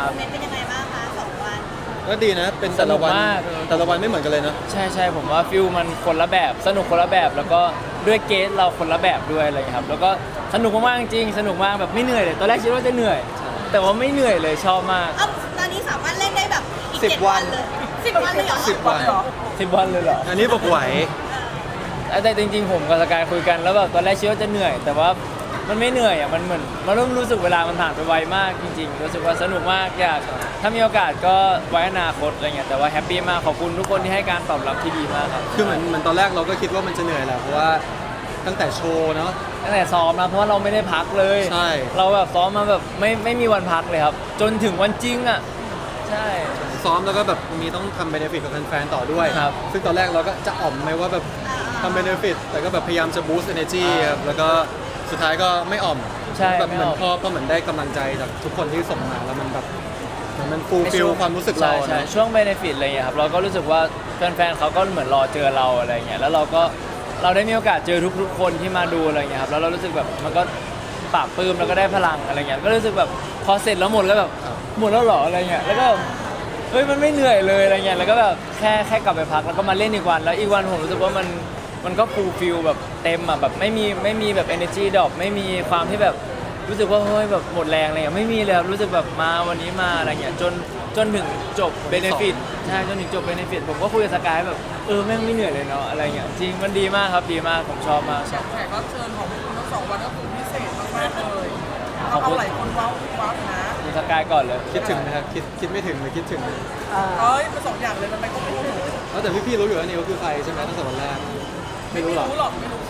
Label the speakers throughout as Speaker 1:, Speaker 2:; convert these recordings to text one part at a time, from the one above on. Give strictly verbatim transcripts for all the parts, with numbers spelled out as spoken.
Speaker 1: โมเมนต์เป็นยังไงบ้างคะสองวัน
Speaker 2: ก็ดีนะเป็นแต่ละวัน
Speaker 3: สนุกมาก
Speaker 2: แต่ละวันไม่เหมือนกันเลยเนาะ
Speaker 3: ใช่ใช่ผมว่าฟิลมันคนละแบบสนุกคนละแบบแล้วก็ด้วยเกสเราคนละแบบด้วยอะไรอย่างเงี้ยครับแล้วก็สนุกมากๆจริงสนุกมากแบบไม่เหนื่อยเลยตอนแรกคิดว่าจะเหนื่อย แต่ว่าไม่เหนื่อยเลยชอบมาก
Speaker 1: เอ้าตอนนี้สามารถเล่นได้แบบอีก
Speaker 2: สิบ
Speaker 1: เจ็ด
Speaker 2: วั
Speaker 1: วัน นเลยสิบวันเลยเหรอ
Speaker 2: สิบวัน
Speaker 3: สิบวันเลยเหรอ
Speaker 2: อันนี้บอกไหว
Speaker 3: แต่จริงๆผมกับสกายคุยกันแล้วแบบตอนแรกคิดว่าจะเหนื่อย แต่ว่ามันไม่เหนื่อยอ่ะมันเหมือนมันเริ่มรู้สึกเวลามันผ่านไปไวมากจริงๆรู้สึกว่าสนุกมากอยากถ้ามีโอกาสก็ไว้อนาคตอะไรเงี้ยแต่ว่าแฮปปี้มากขอบคุณทุกคนที่ให้การตอบรับที่ดีมากครับ
Speaker 2: คือเหมือนเหมือนตอนแรกเราก็คิดว่ามันจะเหนื่อยแหละเพราะว่าตั้งแต่โชว์เนาะ
Speaker 3: ตั้งแต่ซ้อมนะเพราะว่าเราไม่ได้พักเลย
Speaker 2: ใช่
Speaker 3: เราแบบซ้อมมาแบบไม่ไม่มีวันพักเลยครับ จนถึงวันจริงอ่ะใช่
Speaker 2: ซ้อมแล้วก็แบบมีต้องทำเบเนฟิตกับแฟนๆต่อด้วย
Speaker 3: ครับ
Speaker 2: ซึ่งตอนแรกเราก็จะอ่อมไหมว่าแบบทำเบเนฟิตแต่ก็แบบพยายามจะบูสต์ energy ครับแล้วก็สุดท้ายก็ไม่อ่อม
Speaker 3: ใช่
Speaker 2: แบบ
Speaker 3: ไม่
Speaker 2: เหมือ
Speaker 3: อน อก
Speaker 2: พอพอเหมือนได้กำลังใจจากทุกคนที่ส่งมาแล้วมันแบบเหมือนมันฟูลฟิลความรู้สึกเรา
Speaker 3: ใช่ใช่
Speaker 2: เนอะ
Speaker 3: ช่วงเบนฟิตอะไรเงี้ยครับเราก็รู้สึกว่าแฟนๆเขาก็เหมือนรอเจอเราอะไรเงี้ยแล้วเราก็เราได้มีโอกาสเจอทุกๆคนที่มาดูอะไรเงี้ยครับแล้วเรารู้สึกแบบมันก็ปราบปลื้มแล้วก็ได้พลังอะไรเงี้ยก็รู้สึกแบบพอเสร็จแล้วหมดแล้วแบบหมดแล้วเหรออะไรเงี้ยแล้วก็เฮ้ยมันไม่เหนื่อยเลยอะไรเงี้ยแล้วก็แบบแค่แค่กลับไปพักแล้วก็มาเล่นอีกวันแล้วอีกวันผมรู้สึกว่ามันมันก็ฟูลฟิลแบบเต็มอ่ะแบบไม่มีไม่มีแบบ energy ดรอปไม่มีความที่แบบรู้สึกว่าเฮ้ยแบบหมดแรงอะไรเงี้ยไม่มีเลยครับรู้สึกแบบมาวันนี้มาอะไรเงี้ยจนจนถึงจบเบเนฟิตใช่จนถึงจบเบเนฟิตผมก็คุยกับสกายแบบเออแม่งไม่เหนื่อยเลยเนาะอะไรเงี้ยจริงมันดีมากครับดีมากผมชอบมาก
Speaker 4: แขกแขกรับเชิญของคุณทั้งสองวันก็คือพิเศษมากๆเลย
Speaker 3: ขอบ
Speaker 4: เอา
Speaker 3: คุณ
Speaker 4: หลายคนว้าวว้าวนะ
Speaker 3: คุณสกายก่อนเลย
Speaker 2: คิดถึงนะครับคิดคิดไม่ถึงหรือคิดถึง
Speaker 4: เอ้ยเป็นสองอย่างเลยมันไม่ก็ไม่รู้
Speaker 2: แล้วแต่พี่ๆรู้อยู่แล้วนิวคือใครใช่ไหมตั้งแต่วันแรกไม่รู้หรอก
Speaker 4: รู้หรอกไม่รู้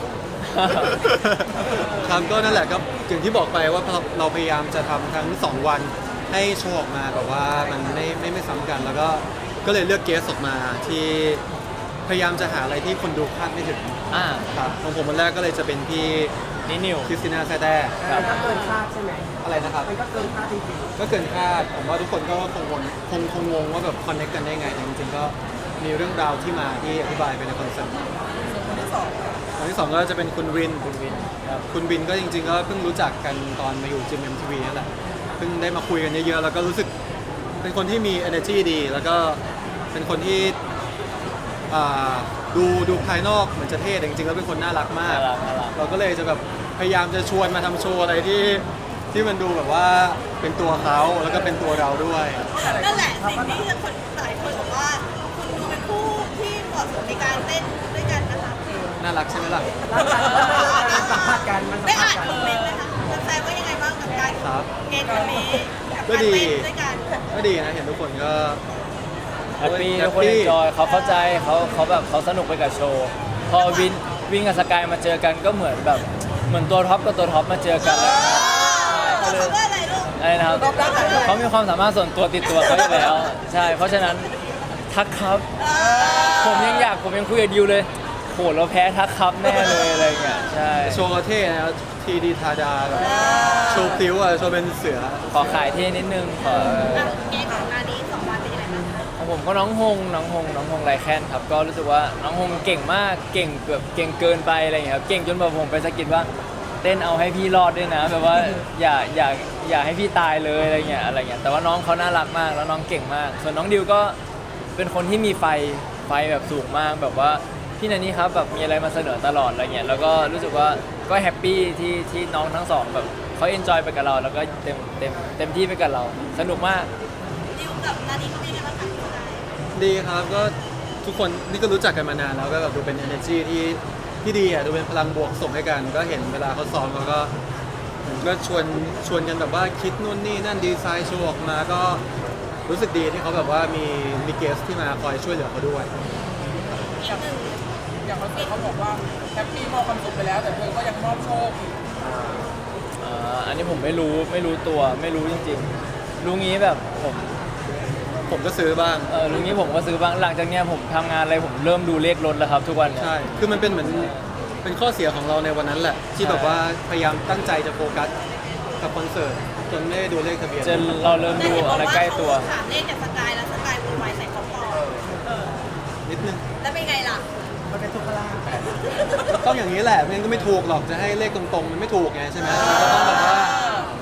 Speaker 2: ครับก็นั่นแหละครับอย่างที่บอกไปว่าเราพยายามจะทำทั้งสองวันให้โชว์ออกมาแบบว่ามันไม่ไม่ไม่ซ้ำกัน แล้วก็ก็เลยเลือกเกสออกมาที่พยายามจะหาอะไรที่คนดูคาดไม่ถึง
Speaker 3: อ่า
Speaker 2: ครับของผมวันแรกก็เลยจะเป็นพี่
Speaker 3: นี่นิว
Speaker 2: คริสติน่าแซ่แต้
Speaker 3: ครับ
Speaker 5: ก็เกินคาดใช่ไหม
Speaker 2: อะไรนะครับ
Speaker 5: มันก็เกินคาดจริง
Speaker 2: ก็เกินคาดผมว่าทุกคนก็คงงงคงคงงงว่าแบบคอนเนคกันได้ไงแต่จริงๆก็มีเรื่องราวที่มาที่อธิบายไปในคอนเสิร์ต
Speaker 4: คนที่สอง
Speaker 2: คนที่สองก็จะเป็นคุณวิน
Speaker 3: คุณวินครับ
Speaker 2: คุณบินก็จริงๆก็เพิ่งรู้จักกันตอนมาอยู่จิมเอ็มทีวีนั่นแหละเพิ่งได้มาคุยกันเยอะๆแล้วก็รู้สึกเป็นคนที่มี energy ดี แล้วก็เป็นคนที่อ่าดูดูภายนอกเหมือนจะเท่แต่จริงๆแล้วเป็นคนน่ารักมาก
Speaker 3: น่ารักน่ารัก
Speaker 2: เราก็เลยจะแบบพยายามจะชวนมาทำโชว์อะไรที่ที่มันดูแบบว่าเป็นตัวเขาแล้วก็เป็นตัวเราด้วย
Speaker 1: นั่นแหละสิ่งที่คนหลายคนบอกว่าคุณดูเป็นคู่ที่เหมาะสมในการเต้นด้วยกันนะคะ
Speaker 2: น่ารักใช่ไหมล่ะ
Speaker 5: ๆมันสัมภาษณ์กันมันสั
Speaker 1: ได้
Speaker 5: มภา
Speaker 1: อ่า
Speaker 5: ษ
Speaker 1: น
Speaker 5: ณ์กัน
Speaker 1: คอมเมนต์ไหมคะแฟนๆว่ายังไงบ้างกับการ
Speaker 2: ครับ
Speaker 1: เกณฑ์วันนี้กับ
Speaker 2: ก็
Speaker 1: การ
Speaker 2: ดี
Speaker 1: เต้นด้วยกัน
Speaker 2: ก็ดีนะเห็นทุกคนก็
Speaker 3: แฮปปี้
Speaker 2: แฮ
Speaker 3: ทุ
Speaker 2: ป
Speaker 3: กคน
Speaker 2: ปี้
Speaker 3: เอนจอยเขาเข้าใจเขาเขาแบบเขาสนุกไปกับโชว์ พอวินวินกับสกายมาเจอกันก็เหมือนแบบเหมือนตัวท็อปกับตัวท็อปมาเจอกันแล้ว
Speaker 1: เขาเรียกอะไรลูก
Speaker 3: อะไรนะครับเขามีความสามารถส่วนตัวติดตัวเขาอยู่แล้วใช่เพราะฉะนั้นทักครับ ผมยังอยากผมยังคุยกับดิวเลยโหเราแพ้ทักครับแน่เลยอะไรเงี้ยใช่
Speaker 2: โชว์ก็เท่นะทีดีทาดาแบบโชว์พลิ้วอะโชว์เป็นเสือ
Speaker 3: ขอขายเท่นิดนึงขอ
Speaker 1: อ่ะเกณฑ์ของงานนี้สองวันเป็นยังไงบ้างคะ
Speaker 3: ของผมก็น้องฮงน้องฮงน้องฮงไรแคนครับก็รู้สึกว่าน้องฮงเก่งมากเก่งเกือบเก่งเกินไปอะไรเงี้ยครับเก่งจนแบบผมไปสะกิดว่าเต้นเอาให้พี่รอดด้วยนะแบบว่าอย่าอย่าอย่าให้พี่ตายเลยอะไรเงี้ยอะไรเงี้ยแต่ว่าน้องเขาน่ารักมากแล้วน้องเก่งมาก ส่วนน้องดิวก็เป็นคนที่มีไฟไฟแบบสูงมากแบบว่าพี่นันนี่ครับแบบมีอะไรมาเสนอตลอดอะไรเงี้ยแล้วก็รู้สึกว่าก็แฮปปี้ที่ที่น้องทั้งสองแบบเขาเอนจอยไปกับเราแล้วก็เต็มเต็มเต็มที่ไปกับเราสนุกมาก
Speaker 1: ดิวกับนานี้เขาเป็นยังไงบ้างคะพี่ชาย
Speaker 2: ดีครับก็ทุกคนนี่ก็รู้จักกันมานานแล้วก็แบบดูเป็น energy ที่ที่ดีอ่ะดูเป็นพลังบวกส่งให้กัน ก็เห็นเวลาเขาซ้อมเขาก็เหมือนก็ชวนชวนกันแบบว่าคิดนู่นนี่นั่นดีไซน์โชว์ออกมาก็รู้สึกดีที่เขาแบบว่ามีมีเกสที่มาคอยช่วยเหลือเขาด้วย
Speaker 1: อีกหนึ่ง
Speaker 4: อย่างคอนเสิร์ตเขาบอกว่าแฮปปี้มอบความสุขไปแล้ว แต่เธอก็ยังมอบโชคอีก
Speaker 3: อ่าอันนี้ผมไม่รู้ไม่รู้ตัวไม่รู้จริงๆรู้งี้แบบผม
Speaker 2: ผมก็ซื้อบ้าง
Speaker 3: เออรู้งี้ผมก็ซื้อบ้างหลังจากเนี้ยผมทำงานอะไรผมเริ่มดูเลขรถแล้วครับทุกวันเนี่ย
Speaker 2: ใช่คือมันเป็นเหมือนเป็นข้อเสียของเราในวันนั้นแหละ ที่
Speaker 3: ใช่
Speaker 2: แบบว่าพยายามตั้งใจจะโฟกัสกับคอนเสิร์ตจนไม่ได้ดูเลขทะเบียน
Speaker 3: จนเราเริ่มดูอะไรใกล้ตัว
Speaker 1: ถามเลขจากสกายแล้วสกายพูดไว้ใส่ของปลอม
Speaker 2: นิดนึง
Speaker 1: แล้วเป็นไงล่ะ
Speaker 5: มันเป็นทุกขลาภ
Speaker 2: ต้องอย่างนี้แหละไม่งั้นก็ไม่ถูกหรอกจะให้เลขตรงๆมันไม่ถูกไงใช่ไหมมันก็ต้องแบบว่า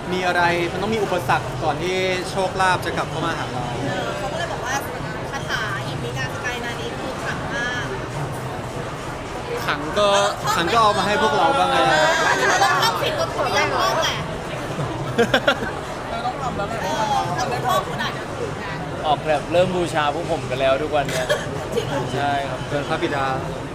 Speaker 2: มีอะไรมันต้องมีอุปสรรคก่อนที่โชคลาภจะกลับเข้ามาหาเรา
Speaker 1: เออเขาก็เลยบอกว่าคาถาอิมิกาสกายนานี้คือขลังมาก
Speaker 2: ขังก็ขังก็เอามาให้พวกเราบ้างไง
Speaker 1: เออแล้วต้องผิดก็คือยังงงแหละ
Speaker 4: เธอต้องทำแล้วไง
Speaker 1: เออแล้วคุณพ่อคุณอาจจะถูกนะ
Speaker 3: ออกแบบเริ่มบูชาพวกผมกันแล้วทุกวันเนี่ย
Speaker 1: จริงเหรอ
Speaker 3: ใช่ครับ
Speaker 2: เป็นพระบิดา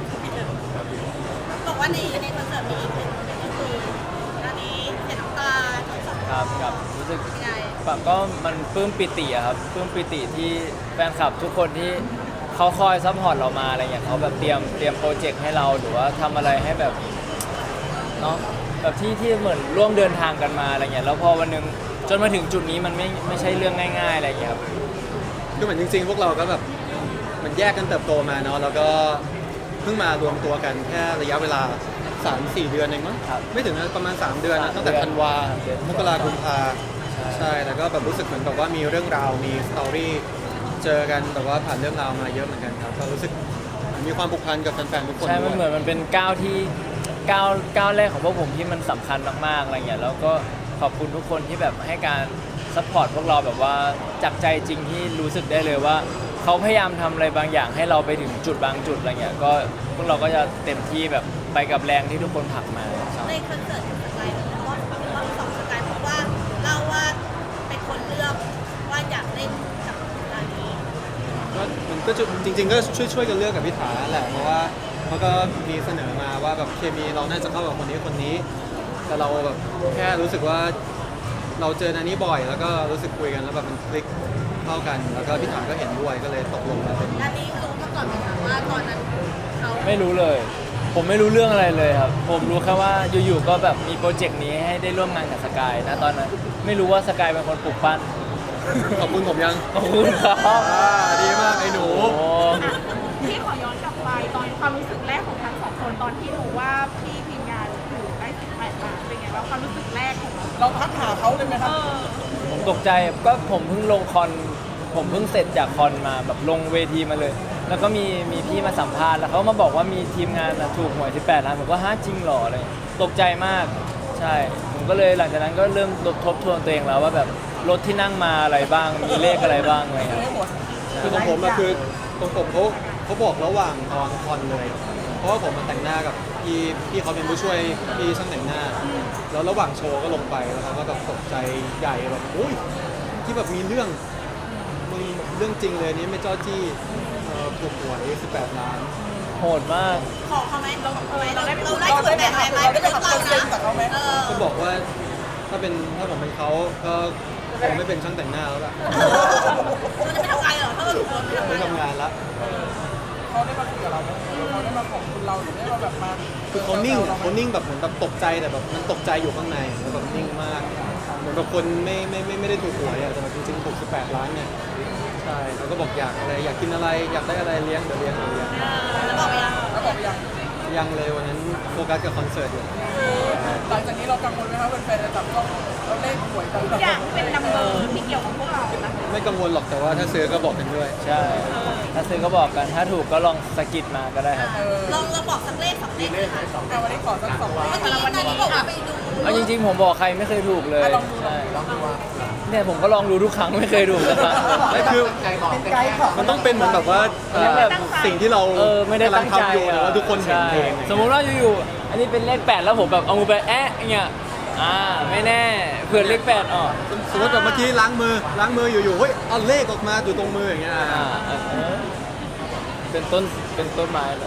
Speaker 1: บอกว่าในในคอนเสิร์ตมีอีกหนึ่งโมเมนต์ก็คืออันนี้เห็นน้ำตาทั้งสอง
Speaker 3: ครับครับรู้สึก
Speaker 1: เป็นไง
Speaker 3: แบบก็มันปลื้มปิติอะครับปลื้มปิติที่แฟนคลับทุกคนที่เขาคอยซัพพอร์ตเรามาอะไรเงี้ยเขาแบบเตรียมเตรียมโปรเจกต์ให้เราหรือว่าทำอะไรให้แบบเนาะแบบที่ที่เหมือนร่วมเดินทางกันมาอะไรเงี้ยแล้วพอวันหนึงจนมาถึงจุดนี้มันไม่ไม่ใช่เรื่องง่ายๆอะไรเงี้ยครับ
Speaker 2: คือเหมือนจริงๆ พวกเราก็แบบมันแยกกันเติบโตมาเนาะแล้วก็เพิ่งมารวมตัวกันแค่ระยะเวลา สามสี่ เดือนเองมั้ง
Speaker 3: ครับ
Speaker 2: ไม่ถึงนะประมาณ สาม เดือนนะ
Speaker 3: สาม
Speaker 2: ตั้งแต่
Speaker 3: เดือน
Speaker 2: ธันวา
Speaker 3: สามเดือน
Speaker 2: มกราคมกุมภา
Speaker 3: ใช่
Speaker 2: ใช่แล้วก็แบบรู้สึกเหมือนแบบว่ามีเรื่องราวมีสตอรี่เจอกันแบบว่าผ่านเรื่องราวมาเยอะเหมือนกันครับก็รู้สึกมีความผูกพันกับแฟนๆทุกคน
Speaker 3: ใช่
Speaker 2: ด้
Speaker 3: มั
Speaker 2: วน
Speaker 3: เหมื
Speaker 2: ย
Speaker 3: อนมันเป็นก้าวที่ก้าวก้าวแรกของพวกผมที่มันสำคัญมากๆอะไรเงี้ยแล้วก็ขอบคุณทุกคนที่แบบให้การซัพพอร์ตพวกเราแบบว่าจากใจจริงที่รู้สึกได้เลยว่าเขาพยายามทำอะไรบางอย่างให้เราไปถึงจุดบางจุดอะไรเงี้ยก็พวกเราก็จะเต็มที่แบบไปกับแรงที่ทุกคนผลักมาใช่
Speaker 1: ในคอนเสิร์ตของสกายมันก็รอบสองสกายเพราะว่าเล่าว่าเป็นคนเลือกว่าอยากเล่นกับร้านนี้
Speaker 2: ก็มันก็จะจริง ๆ ก็ช่วยช่วยกันเลือกกับพี่ถาแหละเพราะว่าเขาก็มีเสนอมาว่าแบบเคมีเราน่าจะเข้ากับคนนี้คนนี้ แต่เราแบบแค่รู้สึกว่าเราเจอนันนี้บ่อย แล้วก็รู้สึกคุยกันแล้วแบบมันคลิกเข้ากัน แล้วก็พี่ถาก็เห็นด้วยก็เลยตกลงมาเป็น
Speaker 1: ร้านนี้รู้มาก่อนไหมคะว่าตอนนั้นเขา
Speaker 3: ไม่รู้เลย ผมไม่รู้เรื่องอะไรเลยครับ ผมรู้แค่ว่าอยู่ๆก็แบบมีโปรเจกต์นี้ให้ได้ร่วมงานกับสกายนะตอนนั้นไม่รู้ว่าสกายเป็นคนปลูกปั้น
Speaker 2: ขอบคุณผมยัง
Speaker 3: ขอบคุณครับ
Speaker 2: อ่าดีมากไอ้หนู
Speaker 3: โอ้โห
Speaker 6: พี่ขอย้อนกลับไปตอนความรู้สึกแรกของทั้งสองคนตอนที่รู้ว่าพี่ทีมงานถูกได้สิบแปดล้านเป็นไงบ้างความรู้สึกแรกของเรา
Speaker 4: เราทักหาเขาเลยไหมครับ
Speaker 3: ผมตกใจก็ผมเพิ่งลงคอนผมเพิ่งเสร็จจากคอนมาแบบลงเวทีมาเลย แล้วก็มีมีพี่มาสัมภาษณ์แล้วเขามาบอกว่ามีทีมงานน่ะถูกหวยสิบแปดล้านผมก็ฮะจริงเหรออะไรตกใจมากใช่ผมก็เลยหลังจากนั้นก็เริ่มทบทวนตัวเองแล้วว่าแบบรถที่นั่งมาอะไรบ้างมีเลขอะไรบ้างอะไรเงี้ย
Speaker 4: ไม่หมด
Speaker 2: คือของผมอะคือของผมเขาเขาบอกระหว่างตอนคอนเลย เพราะว่าผมมาแต่งหน้ากับพี่พี่เขาเป็นผู้ช่วยพี่ช่างแต่งหน้า แล้วระหว่างโชว์ก็ลงไปแล้วเขาก็แบบตกใจใหญ่แบบอุ้ยที่แบบมีเรื่องมึงเรื่องจริงเลยนี่ไม่จ้อจี้เอ่อถูกหวยสิบแปดล้าน
Speaker 3: โหดมาก
Speaker 1: ขอเขาไหมเราเออเราได้เราได้ส่วนแบ่งอะไรไหมไม่เลือกเรานะเออ
Speaker 2: ก็บอกว่าถ้าเป็นถ้าผมเป็นเขาก็คงไม่เป็นช่างแต่งหน้าแล้วล่ะ
Speaker 1: เราจะไม่ทำงานเหรอถ้าเราถูกเราไม่ทำ
Speaker 2: ไม่
Speaker 1: งาน
Speaker 2: ทำงานละ
Speaker 4: เขาได้มาคุยกับเราไหมเขาได้มาขอบคุณเราหรือได้มาแบบมา
Speaker 2: คือเขานิ่งเขานิ่งแบบเหมือนแบบตกใจแต่แบบมันตกใจอยู่ข้างในแล้วแบบนิ่งมาก เหมือนแบบคนไม่ไม่ไม่ไม่ได้ถูกหวยอะแต่แบบจริงๆถูกสิบแปดล้านเนี่ยใช่เขาก็บอกอยากอะไรอยากกินอะไรอยากได้อะไรเลี้ยงเดี๋ยวเลี้ยงเดี๋ยวเลี้ยง
Speaker 1: แล้วบอกไปยัง
Speaker 4: แล้วบอกยัง
Speaker 2: ยังเลยวันนั้นโฟกัสกับคอนเสิร์ตอยู่
Speaker 4: หลังจากนี้เรากังวลไหมครับแฟนๆจะจับต้องเราเลขหวยกัน
Speaker 6: ทุกอย่างที่เป็นนัมเบอร์ที่เกี่ยวกับพวกเรานะ
Speaker 2: ไม่กังวลหรอกแต่ว่าถ้าซื้อก็บอกกันด้วย
Speaker 3: ใช่ถ้าซื้อก็บอกกันถ้าถูกก็ลองสะกิดมาก็ได้ครับ
Speaker 4: เออ
Speaker 1: ลองเราบอกสักเลขสองเลขเลยค่ะ
Speaker 4: เอาวันนี้ขอสักสองวัน
Speaker 1: เมื่อกี้นานี้บอกว่าไปดู
Speaker 3: เอาจริงๆผมบอกใครไม่เคยถูกเลยใช่เนี่ยผมก็ลองดูทุกครั้งไม่เคยถูกสักครั้ง
Speaker 2: ไม่คือ
Speaker 5: เป็นไกด์ของ
Speaker 2: มันต้องเป็นเหมือนแบบว่าเอ่อ
Speaker 3: แบบ
Speaker 2: สิ่งที่เรา
Speaker 3: เออไม่ได้
Speaker 2: กำลั
Speaker 3: ตั้
Speaker 2: ง
Speaker 3: งใจ
Speaker 2: ทำอยู่แต่ว่าทุกคนเห็นเอง
Speaker 3: ใช่สมมุติว่าอยู่ๆอันนี้เป็นเลขแปดแล้วผมแบบเอามือไปแอะอย่างเงี้ยอ่าไม่แน่เผื่อเลขแปดออก
Speaker 2: สมมติแบบเมื่อกี้ล้างมือล้างมืออยู่ๆเฮ้ยเอาเลขออกมาอยู่ตรงมืออย่างเงี้ย
Speaker 3: อ่าเออเป็นต้นเป็นต้นไม้เหรอ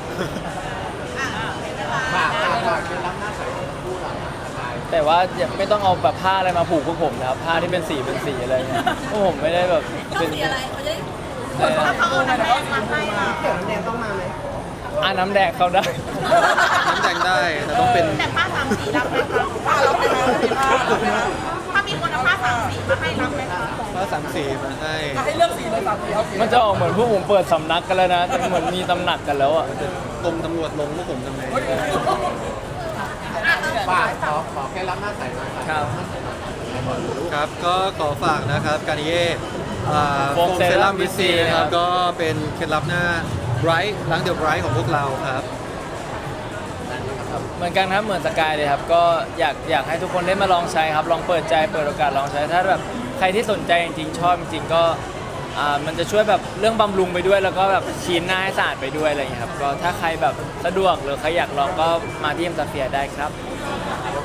Speaker 3: แต่ว่าอย่าไม่ต้องเอาแบบผ้าอะไรมาผูกพวกผมนะครับผ้าที่เป็นสีเป็นสีอะไรเงี้ยพวกผมไม่ได้แบบ
Speaker 1: ต้อ
Speaker 3: เป็
Speaker 1: ง
Speaker 3: น
Speaker 1: สีอะไรเขาจะได้
Speaker 3: เอ่อ
Speaker 6: ถ้าเขาเอาน้ำแดงมาให้เรา
Speaker 5: เกี่ยวน้ำแดงต้องมาไหม
Speaker 3: อ่าน้ำแดงเขาได้
Speaker 2: น้ำแดงได้แต่ต้องเป็น
Speaker 6: แต่ผ้าสามสีรับไหมคะผ้ารับไหมคะถ้ามีคนเอาผ้าสามสีมาให้รับไหมคะ
Speaker 2: ผ้าสามสีมาให้
Speaker 4: ให้เลือกสีเลยสามสีเอาสี
Speaker 3: มันจะออกเหมือนพวกผมเปิดสำนักกันแล้วนะแต่เหมือนมีตำหนักกันแล้วอ่ะ
Speaker 2: กรมตำรวจลงพวกผมทำไง
Speaker 5: ฝากขอขอแค่รับหน้าใสหน่อย
Speaker 3: ครับ
Speaker 2: ครับก็ขอฝากนะครับการนิเย่โฟ
Speaker 3: Foam
Speaker 2: มเซรั่ม
Speaker 3: Serum
Speaker 2: วิซี
Speaker 3: วิซี
Speaker 2: นะค
Speaker 3: ครั
Speaker 2: รับบ ก็เป็นเคล็ดลับหน้าไบรท์ล้างเดอะไบรท์ของพวกเราครับ
Speaker 3: ครับเหมือนกันครับเหมือนสกายเลยครับก็อยากอยากให้ทุกคนได้มาลองใช้ครับลองเปิดใจเปิดโอกาสลองใช้ถ้าแบบใครที่สนใจจริงๆชอบจริงๆก็อ่ามันจะช่วยแบบเรื่องบำรุงไปด้วย แล้วก็แบบคลีนหน้าให้สะอาดไปด้วยอะไรอย่างเงี้ยครับก็ถ้าใครแบบสะดวกหรือใครอยากลองก็มาที่เอ็มซาเฟียได้ครับ
Speaker 1: อ